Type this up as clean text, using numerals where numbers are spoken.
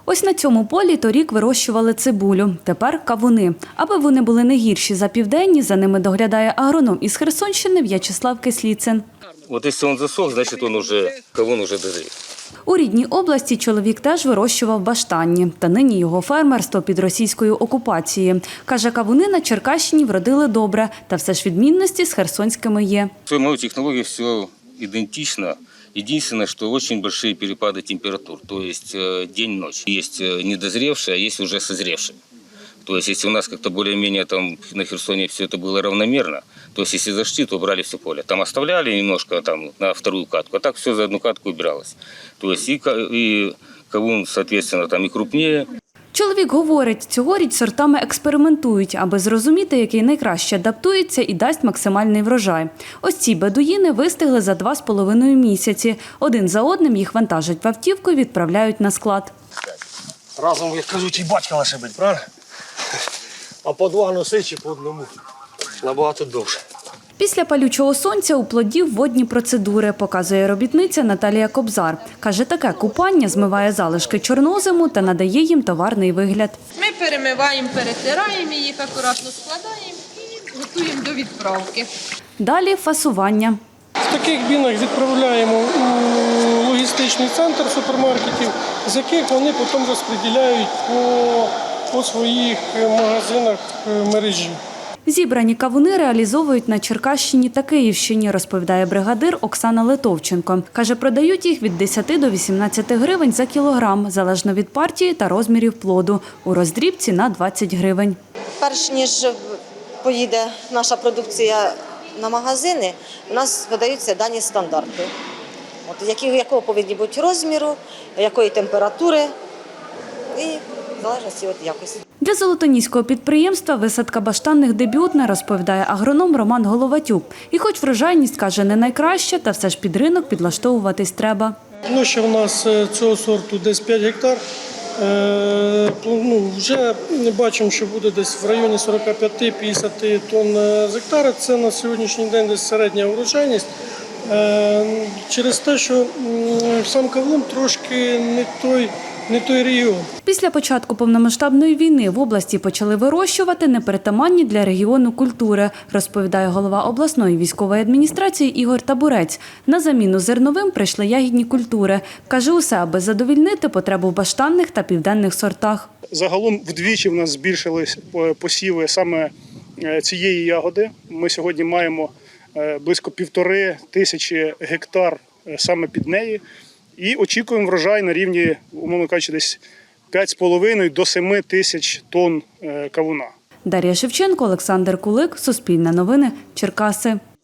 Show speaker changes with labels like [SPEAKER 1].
[SPEAKER 1] Ось на цьому полі торік вирощували цибулю, тепер кавуни. Аби вони були не гірші за південні, за ними доглядає агроном із Херсонщини В'ячеслав Кисліцин.
[SPEAKER 2] Вот если он засох, значит кавун уже дозрел.
[SPEAKER 1] У рідній області чоловік теж вирощував баштанні, та нині його фермерство під російською окупацією. Каже, кавуни на Черкащині вродили добре, та все ж відмінності з херсонськими є.
[SPEAKER 2] В своей технологии все идентично. Единственное, что очень большие перепады температур, то есть день-ночь. Есть недозревшие, а есть уже созревшие. То есть если у нас как-то более-менее там на Херсоне все это было равномерно, то есть если зашли, то брали все поле. Там оставляли немножко там на вторую катку, а так все за одну катку убиралось. То есть и кавун, соответственно, там и крупнее.
[SPEAKER 1] Чоловік говорить, цьогоріч сортами експериментують, аби зрозуміти, який найкраще адаптується і дасть максимальний врожай. Ось ці бедуїни вистигли за 2,5 місяці. Один за одним їх вантажать в автівку і відправляють на склад.
[SPEAKER 3] Разом, як кажуть, і батька лишибить, правильно? А по два носи чи по одному набагато довше.
[SPEAKER 1] Після палючого сонця у плодів водні процедури, показує робітниця Наталія Кобзар. Каже, таке купання змиває залишки чорнозиму та надає їм товарний вигляд.
[SPEAKER 4] Ми перемиваємо, перетираємо, їх акуратно складаємо і готуємо до відправки.
[SPEAKER 1] Далі фасування.
[SPEAKER 5] В таких бінах відправляємо у логістичний центр супермаркетів, з яких вони потім розподіляють по своїх магазинах мережі.
[SPEAKER 1] Зібрані кавуни реалізовують на Черкащині та Київщині, розповідає бригадир Оксана Литовченко. Каже, продають їх від 10 до 18 гривень за кілограм, залежно від партії та розмірів плоду. У роздрібці на 20 гривень.
[SPEAKER 6] Перш ніж поїде наша продукція на магазини, у нас видаються дані стандарти. Якого повинні бути розміру, якої температури і в залежності від якості.
[SPEAKER 1] Для золотоніського підприємства висадка баштанних дебютна, розповідає агроном Роман Головатюк. І хоч врожайність, каже, не найкраща, та все ж під ринок підлаштовуватись треба.
[SPEAKER 5] Площа в нас цього сорту десь 5 гектар. Вже бачимо, що буде десь в районі 45-50 тонн з гектара. Це на сьогоднішній день десь середня врожайність. Через те, що сам кавун трошки не той регіон.
[SPEAKER 1] Після початку повномасштабної війни в області почали вирощувати непритаманні для регіону культури, розповідає голова обласної військової адміністрації Ігор Табурець. На заміну зерновим прийшли ягідні культури. Каже, усе, аби задовільнити потребу в баштанних та південних сортах.
[SPEAKER 7] Загалом вдвічі в нас збільшились посіви саме цієї ягоди. Ми сьогодні маємо близько 1500 гектар саме під неї. І очікуємо врожай на рівні, умовно кажучи, десь 5,5 до 7 тисяч тонн кавуна.
[SPEAKER 1] Дар'я Шевченко, Олександр Кулик, Суспільне новини, Черкаси.